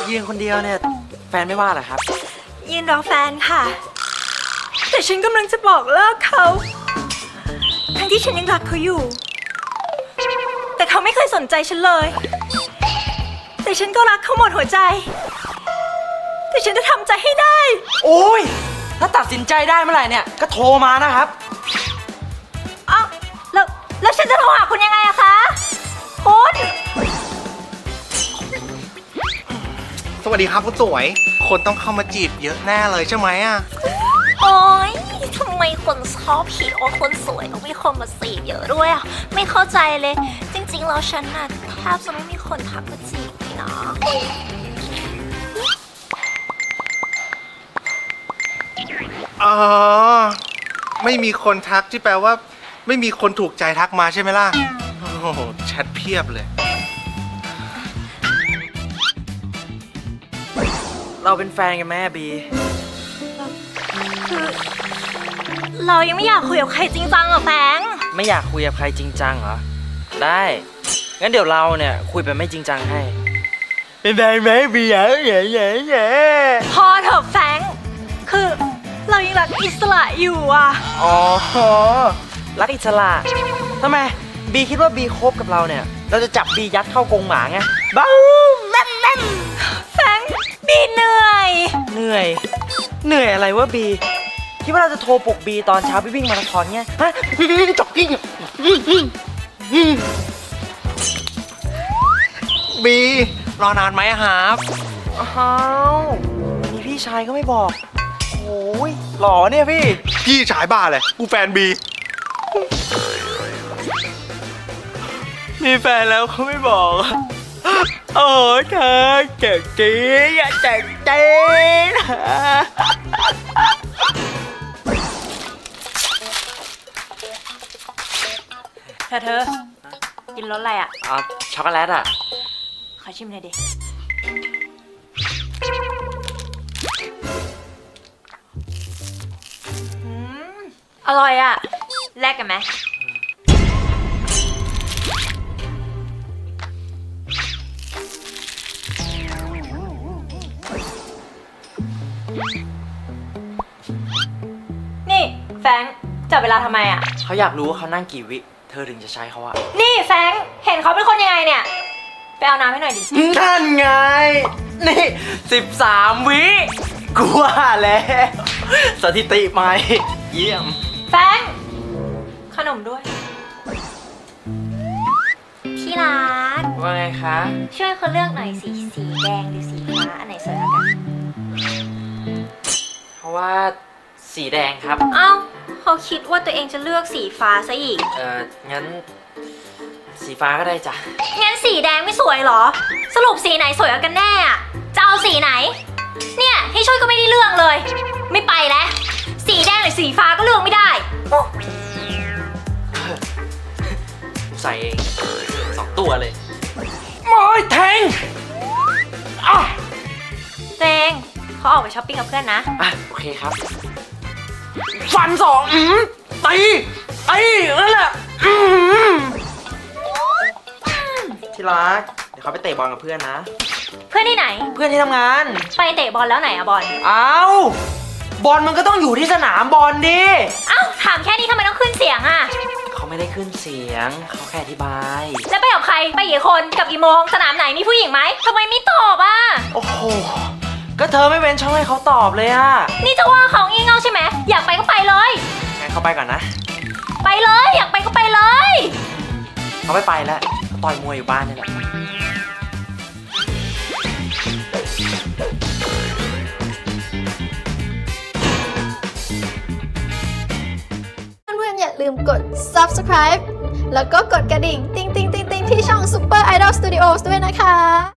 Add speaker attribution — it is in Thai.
Speaker 1: ยืนคนเดียวเนี่ยแฟนไม่ว่าเหรอครับ
Speaker 2: ยืนรอแฟนค่ะแต่ฉันกำลังจะบอกเลิกเขาทั้งที่ฉันยังรักเขาอยู่แต่เขาไม่เคยสนใจฉันเลยแต่ฉันก็รักเขาหมดหัวใจแต่ฉันจะทำใจให้ได้
Speaker 1: โอ้ยถ้าตัดสินใจได้เมื่อไหร่เนี่ยก็โทรมานะครับ
Speaker 2: อ้าวแล้วฉันจะโทรหาคุณยังไงอะคะคุณ
Speaker 3: สวัสดีครับคุณสวยคนต้องเข้ามาจีบเยอะแน่เลยใช่ไหมอ่ะ
Speaker 2: โอ๊ยทำไมคนชอบผิดว่าคนสวยต้องมีคนมาจีบเยอะด้วยอะไม่เข้าใจเลยจริงๆแล้วฉันน่ะแทบจะไม่มีคนทักมาจีบเลยนะ
Speaker 3: อ๋อไม่มีคนทักที่แปลว่า ไม่มีคนถูกใจทักมาใช่ไหมล่ะโอ้โหแชทเพียบเลย
Speaker 1: เราเป็นแฟนกันไหมอะบี
Speaker 2: คือเรายังไม่อยากคุยกับใครจริงจังอะแฟง
Speaker 1: ไม่อยากคุยกับใครจริงจังเหรอได้งั้นเดี๋ยวเราเนี่ยคุยแบบไม่จริงจังให้เป็นไงไหมบีแย่
Speaker 2: พอเถอะแฟงคือเรายังรักอิสระอยู่อะ
Speaker 1: อ๋อรักอิสระทำไมบีคิดว่าบีคบกับเราเนี่ยเราจะจับบียัดเข้ากรงหมาไงบ้าแม่น
Speaker 2: แฟงบีเหนื่อย
Speaker 1: เหนื่อยอะไรวะบีคิดว่าเราจะโทรปลุกบีตอนเช้าไปวิ่งมาราธอนไงฮะจ็อกกิ้ง
Speaker 3: บีรอนานไหมอะครับ
Speaker 1: อ้าวมีพี่ชายก็ไม่บอกโอ้ยหล่อเนี่ยพี่
Speaker 3: พี่ฉายบ้าเลยกูแฟนบี
Speaker 1: มีแฟนแล้วเขาไม่บอกโอ้เธอเจ๋งจริงอะเจ๋งจริง
Speaker 2: เธอกินรสอะไรอะ
Speaker 1: อ๋อช็อกโกแลตอ่ะ
Speaker 2: ขอชิมหน่อยดิอร่อยอะแลกกันไหมนี่แฟรงค์จับเวลาทำไมอะ
Speaker 1: เขาอยากรู้ว่าเขานั่งกี่วิเธอถึงจะใช้เขาอะ
Speaker 2: นี่แฟรงค์เห็นเขาเป็นคนยังไงเนี่ยไปเอาน้ำให้หน่อยดิ
Speaker 1: นั่นไงนี่13 วิกูว่าแล้วสถิติใหม่เยี่ยม
Speaker 2: แฟรงค์ขนมด้วยที่รัก
Speaker 1: ว่าไงคะ
Speaker 2: ช่วยเขาเลือกหน่อยสีแดงหรือสีฟ้าอันไหนสวยกว่ากัน
Speaker 1: เพราะว่าสีแดงครับ
Speaker 2: เอ้าเขาคิดว่าตัวเองจะเลือกสีฟ้าซะอีก
Speaker 1: งั้นสีฟ้าก็ได้จ้ะ
Speaker 2: งั้นสีแดงไม่สวยเหรอ สรุปสีไหนสวยกว่ากันแน่อะจะเอาสีไหน เนี่ยให้ช่วยก็ไม่ได้เลือกเลย ไม่ไปแล้ว สีแดงหรือสีฟ้าก็เลือกไม่ได้
Speaker 1: ใส่เอง2 ตัวเลยโอ้ยแทงอ่ะ
Speaker 2: เจงเขาออกไปช้อปปิ้งกับเพื่อนนะ
Speaker 1: โอเคครับ ฟัน2ตีนั่นแหละที่รักเดี๋ยวเขาไปเตะบอลกับเพื่อนนะ
Speaker 2: เพื่อนที่ไหน
Speaker 1: เพื่อนที่ทำงาน
Speaker 2: ไปเตะบอลแล้วไหนอะบอล
Speaker 1: บอลมันก็ต้องอยู่ที่สนามบอลดิ
Speaker 2: เอ้าถามแค่นี้ทำไมต้องขึ้นเสียงอะ
Speaker 1: เขาไม่ได้ขึ้นเสียงเขาแค่อธิบาย
Speaker 2: แล้วไปกับใครไปกี่คนกับกี่โมงสนามไหนมีผู้หญิงไหมทำไมไม่ตอบอะ
Speaker 1: โอ้โหก็เธอไม่เว้นช่องให้เขาตอบเลยอะ
Speaker 2: นี่จะว่าเขางี่เง่าใช่ไหมอยากไปก็ไปเลย
Speaker 1: งั้นเขาไปก่อนนะ
Speaker 2: ไปเลยอยากไปก็ไปเลย
Speaker 1: เขาไม่ไปแล้วเขาต่อยมวยอยู่บ้านนี่แหละ
Speaker 4: เพื่อนๆอย่าลืมกด subscribe แล้วก็กดกระดิ่ง ติ๊งๆๆๆที่ช่อง Super Idol Studios ด้วยนะคะ